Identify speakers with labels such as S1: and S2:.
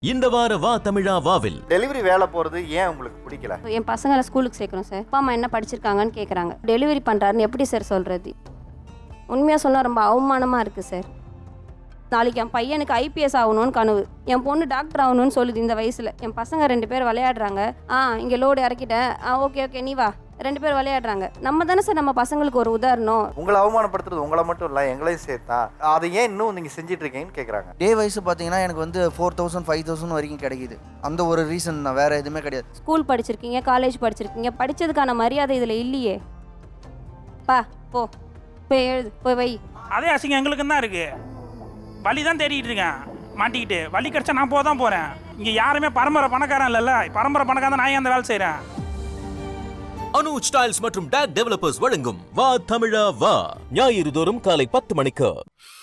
S1: இந்த வார வா தமிழா வாவில்
S2: டெலிவரி வேலை போறது ஏன் உங்களுக்கு பிடிக்கல?
S3: என் பசங்களை ஸ்கூலுக்கு சேர்க்கணும் சார். அப்பா அம்மா என்ன படிச்சிருக்காங்கன்னு கேட்குறாங்க. டெலிவரி பண்ணுறாருன்னு எப்படி சார் சொல்கிறது? உண்மையாக சொன்னால் ரொம்ப அவமானமாக இருக்குது சார். நாளைக்கு என் பையனுக்கு ஐபிஎஸ் ஆகணும்னு கனவு, என் பொண்ணு டாக்டர் ஆகணும்னு சொல்லுது இந்த வயசில். என் பசங்க 2 பேர் விளையாடுறாங்க. இங்கே லோடு இறக்கிட்டேன். ஓகே நீ வா. 2 பேர் விளையாடுறாங்க. நம்ம தானே சார் நம்ம பசங்களுக்கு ஒரு உதாரணம்.
S2: உங்களை அவமானப்படுத்துறது உங்களை மட்டும் இல்லை, எங்களையும் சேர்த்தா. அதை ஏன் இன்னும் நீங்கள் செஞ்சுட்டு இருக்கீங்கன்னு கேட்குறாங்க.
S4: டே வைஸ் பார்த்தீங்கன்னா எனக்கு வந்து 4000 5000 வரைக்கும் கிடைக்குது. அந்த ஒரு ரீசன் தான், வேறு எதுவுமே கிடையாது.
S3: ஸ்கூல் படிச்சிருக்கீங்க, காலேஜ் படிச்சிருக்கீங்க, படித்ததுக்கான மரியாதை இதில் இல்லையே. போ போய் எழுது, போய் வை.
S5: அதே அசிங்கம் எங்களுக்கு தான் இருக்கு. வழி தான் தேடிட்டு இருக்கேன், மாட்டிக்கிட்டு. வழி கிடைச்சா நான் போக தான் போகிறேன். இங்கே யாருமே பரம்பரை பணக்காரன் இல்லைல்ல. பரம்பரை பணக்காரன் தான் நான் அந்த வேலை செய்கிறேன்.
S1: அனுஜ் ஸ்டைல்ஸ் மற்றும் டாக் டெவலப்பர்ஸ் வழங்கும் வா தமிழா வா ஞாயிறு தோறும் காலை 10 மணிக்கு.